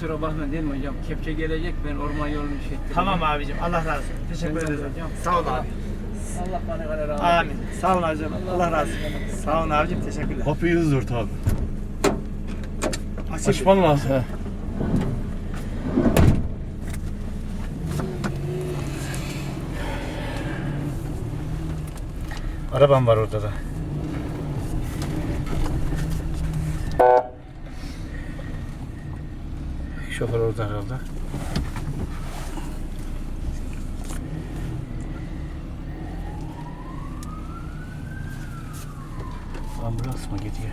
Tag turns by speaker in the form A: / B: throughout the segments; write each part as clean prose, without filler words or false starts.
A: kusura bakma değil mi hocam? Kepçe gelecek, ben orman yolunu şey ettim.
B: Tamam abicim, Allah razı olsun. Teşekkür
A: Senden
B: ederim.
A: hocam.
B: Sağ ol abi.
A: Allah bana kadar rahmet
B: Amin.
A: eylesin.
B: Sağ ol abicim. Allah razı olsun. Sağ ol abicim, teşekkürler.
C: Kapıyı hızlı ört abi.
B: Açık.
C: Açman lazım.
D: Arabam var orada da. Şoför orada herhalde. Ambulans mı gidiyor?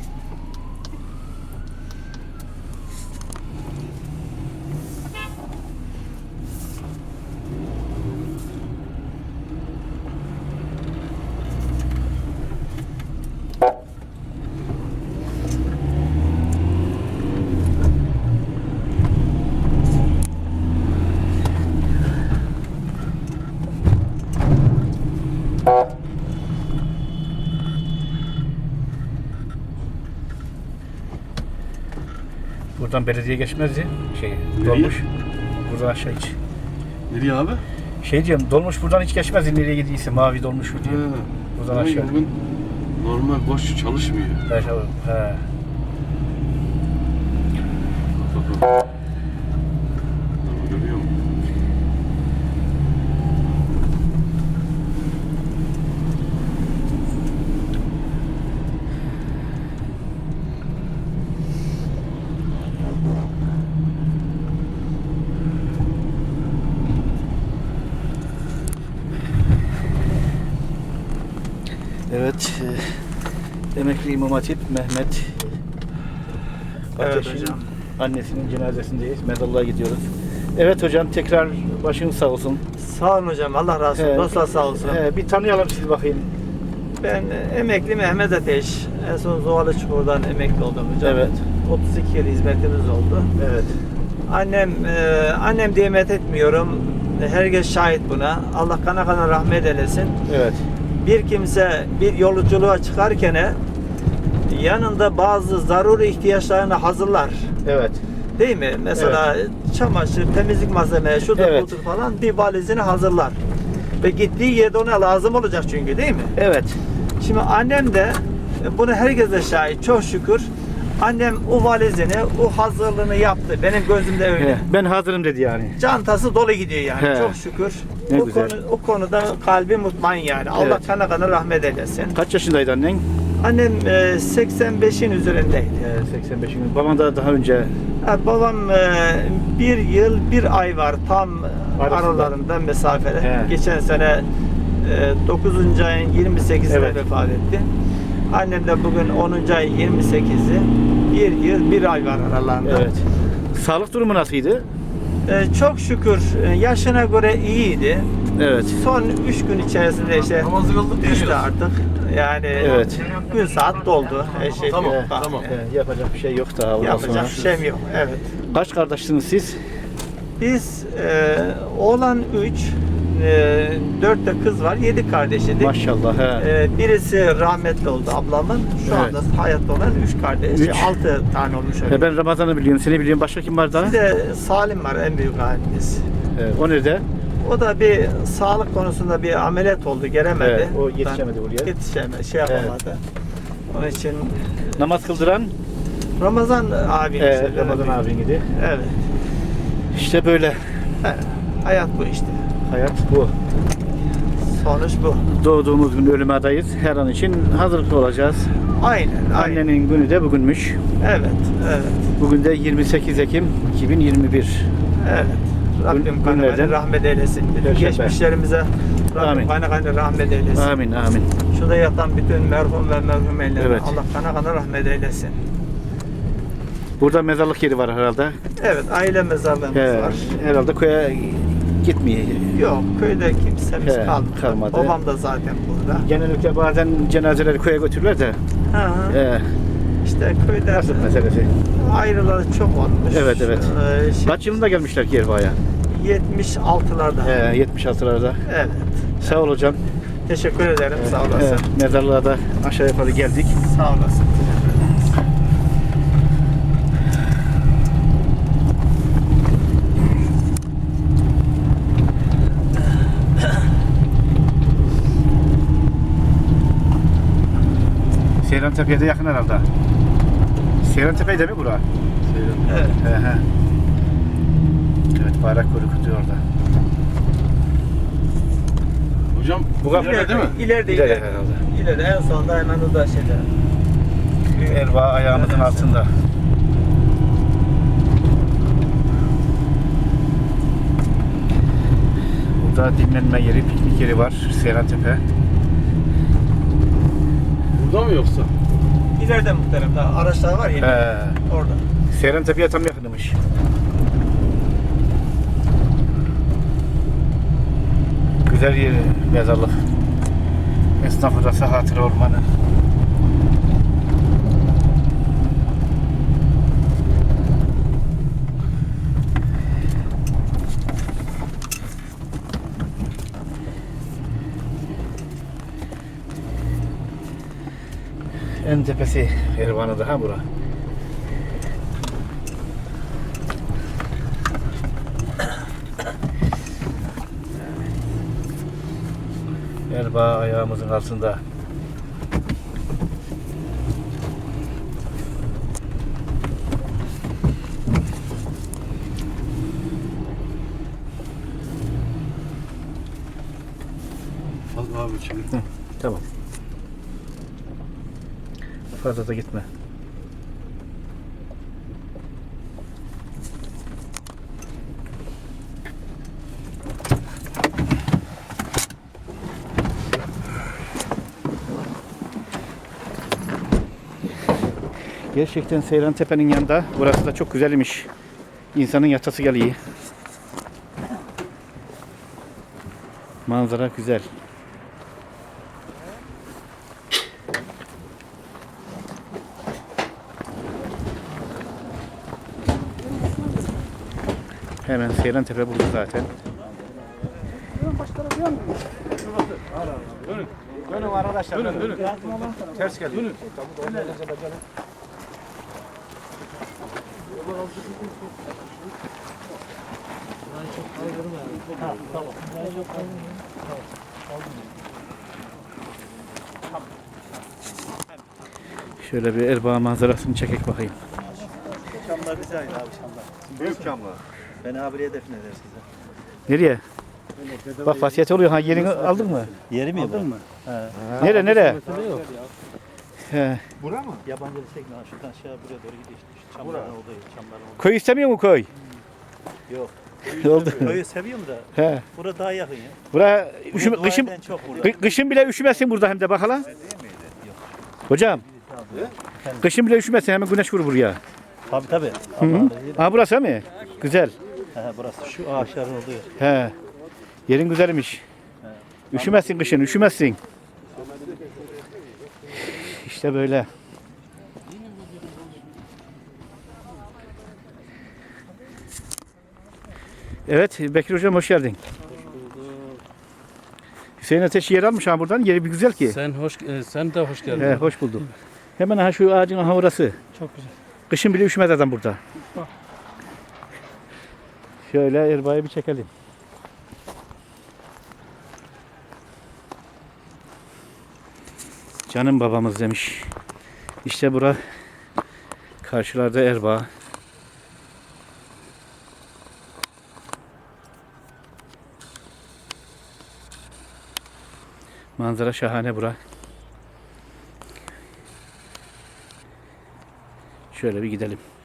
D: Buradan belediye geçmezdi. Dolmuş. Buradan aşağı hiç.
C: Nereye abi?
D: Diyorum, dolmuş buradan hiç geçmezdi nereye gidiyse, mavi dolmuş diyor.
C: He.
D: Buradan
C: Demek ki
D: aşağı.
C: bugün normal boş çalışmıyor.
D: He.
C: Görüyor musun?
D: Evet. Emekli İmam Hatip Mehmet
B: Evet
D: Ateş'in
B: hocam.
D: annesinin cenazesindeyiz. Mezarlığa gidiyoruz. Evet hocam, tekrar başınız sağ olsun.
B: Sağ olun hocam. Allah razı olsun. Dostlar sağ olsun.
D: Bir tanıyalım sizi bakayım.
B: Ben emekli Mehmet Ateş. En son Zoğalı Çukur'dan emekli oldum hocam.
D: Evet.
B: 32 yıl hizmetimiz oldu.
D: Evet.
B: Annem diye met etmiyorum. Herkes şahit buna. Allah kana kana rahmet eylesin.
D: Evet.
B: Bir kimse bir yolculuğa çıkarken yanında bazı zaruri ihtiyaçlarını hazırlar.
D: Evet.
B: Değil mi? Mesela çamaşır, temizlik malzemeleri, şudur
D: Evet.
B: budur falan bir valizini hazırlar. Ve gittiği yerde ona lazım olacak çünkü, değil mi?
D: Evet.
B: Şimdi annem de bunu herkes de şahit. Çok şükür annem o valizini, o hazırlığını yaptı. Benim gözümde öyle.
D: Ben hazırım dedi yani.
B: Çantası dolu gidiyor yani.
D: He.
B: Çok şükür.
D: Ne
B: o
D: güzel.
B: o konuda kalbi mutmain yani. Allah
D: Evet.
B: kana kana rahmet eylesin.
D: Kaç yaşındaydı annen?
B: Annem 85'in üzerindeydi.
D: 85 gün. Baban da daha önce.
B: Babam bir yıl bir ay var tam
D: Arasında.
B: aralarında mesafede.
D: He.
B: Geçen sene 9. ayın 28'inde
D: Evet.
B: vefat etti. Annem de bugün 10. ayın 28'i. Bir yıl bir ay var aralarında.
D: Evet. Sağlık durumu nasıldı?
B: Çok şükür yaşına göre iyiydi.
D: Evet.
B: Son 3 gün içerisinde işte
C: Namazı kıldık
B: düştü
C: geliyoruz.
B: artık. Yani
D: Evet.
B: gün saat doldu. Her şey
C: Tamam,
B: yok.
C: tamam.
D: Yapacak bir şey yok daha. Ondan
B: Yapacak
D: sonra.
B: bir şeyim yok. Evet.
D: Kaç kardeşsiniz siz?
B: Biz oğlan 3, 4 de kız var, 7 kardeşidik.
D: Maşallah. He.
B: Birisi rahmetli oldu ablamın. Şu
D: Evet.
B: anda hayatta olan 3 kardeş.
D: Üç.
B: 6 tane olmuş öyle.
D: Ben Ramazan'ı biliyorum. Seni biliyorum. Başka kim var daha?
B: Bir de Salim var en büyük halimiz.
D: O nerede?
B: O da bir sağlık konusunda bir ameliyat oldu, gelemedi.
D: Evet, o yetişemedi buraya.
B: Yetişemedi, şey yapamadı. Onun için
D: Namaz kıldıran
B: Ramazan abi.
D: Ramazan abin idi.
B: Evet.
D: İşte böyle.
B: Hayat bu işte.
D: Hayat bu.
B: Sonuç bu.
D: Doğduğumuz gün ölüme adayız. Her an için hazırlıklı olacağız.
B: Aynen.
D: Annenin günü de bugünmüş.
B: Evet. Evet.
D: Bugün de 28 Ekim 2021.
B: Evet. Rabbim
D: Günlerden
B: kanı rahmet eylesin. Bütün
D: Perşembe.
B: geçmişlerimize
D: Amin.
B: Rabbim kanı rahmet eylesin.
D: Amin amin.
B: Şurada yatan bütün merhum ve merhumelerine
D: Evet.
B: Allah kanı rahmet eylesin.
D: Burada mezarlık yeri var herhalde.
B: Evet, aile mezarlığımız var.
D: Herhalde köye gitmiyor.
B: Yok, köyde kimsemiz kalmadı.
D: kalmadı.
B: Babam da zaten burada.
D: Genellikle bazen cenazeleri köye götürürler de.
B: Hı. İşte köyde
D: Nasıl meselesi?
B: ayrıları çok olmuş.
D: Evet evet.
B: Şey,
D: Kaç yılında gelmişler ki Erva'ya?
B: 76'larda.
D: 76'larda.
B: Evet.
D: Sağ ol hocam.
B: Teşekkür ederim. Sağ olasın.
D: Mezarlığa da aşağı yukarı geldik.
B: Sağ olasın.
D: Seyrantepe'ye de yakın herhalde. Seyrantepe de mi bura?
B: Evet.
D: He he. Evet, bayrak korkutuyor orada.
C: Hocam
D: Bu kapı
C: ileride değil mi?
B: İleride,
D: İleride
B: ileride.
D: herhalde.
B: İleride, en sonunda hemen o da şeyde.
D: Erbaa ayağımızın
B: Evet.
D: altında. Burada dinlenme yeri, piknik yeri var. Seyrantepe.
C: Burada mı yoksa?
B: İleride muhterem, daha araçlar var ya orada.
D: Seyrantepe'ye tam yakınmış. Güzel yer, mezarlık. Esnaf odası, hatıra ormanı. En tepesi Ervan'ı ha bura. Erbaa ayağımızın altında.
C: Fazla abi şimdi.
D: Tamam. Fazla da gitme. Gerçekten Seyrantepe'nin yanında. Burası da çok güzelmiş. İnsanın yatası geliyor. Manzara güzel. Hemen Seyrantepe burada zaten. Dönün arkadaşlar. Dönün. Ters geldi. Dönün. Şöyle bir Erbaa manzarasını çekek bakayım.
B: Çamlar bize ait abi, çamlar.
E: Büyük camlar.
B: Beni abiye defneder size.
D: Nereye? Bak vasiyet oluyor. Ha, yerini aldın mı?
B: Yeri mi aldın mı?
D: Nere? He.
E: Bura mı?
B: Yabancı çekme, şuradan aşağı buraya doğru gidiyor işte. Şu çamların olduğu, çamların olduğu.
D: Köy istemiyor mu köy?
B: Yok.
D: Oldu.
B: Köyü seviyorum da
D: He.
B: burada daha yakın ya.
D: Bura
B: Burada
D: kışın
B: doğayden çok burada.
D: kışın bile üşümezsin burada hem de bak hala. Hocam. Kışın bile üşümezsin, hemen güneş vurur buraya.
B: Tabii tabii.
D: Hı -hı. Ha, burası mı? Güzel.
B: Burası şu ağaçların olduğu yer.
D: He. Yerin güzelmiş. Üşümezsin kışın, üşümezsin. İşte böyle. Evet, Bekir Hocam hoş geldin. Hüseyin Ateş yer almış ha buradan. Yeri bir güzel ki.
F: Sen de hoş geldin.
D: He, hoş bulduk. Hemen ha şu ağacın aha orası.
F: Çok güzel.
D: Kışın bile üşümez adam burada. Şöyle Erbaa'yı bir çekelim. Canım babamız demiş. İşte bura karşılarda Erbaa. Manzara şahane bura. Şöyle bir gidelim.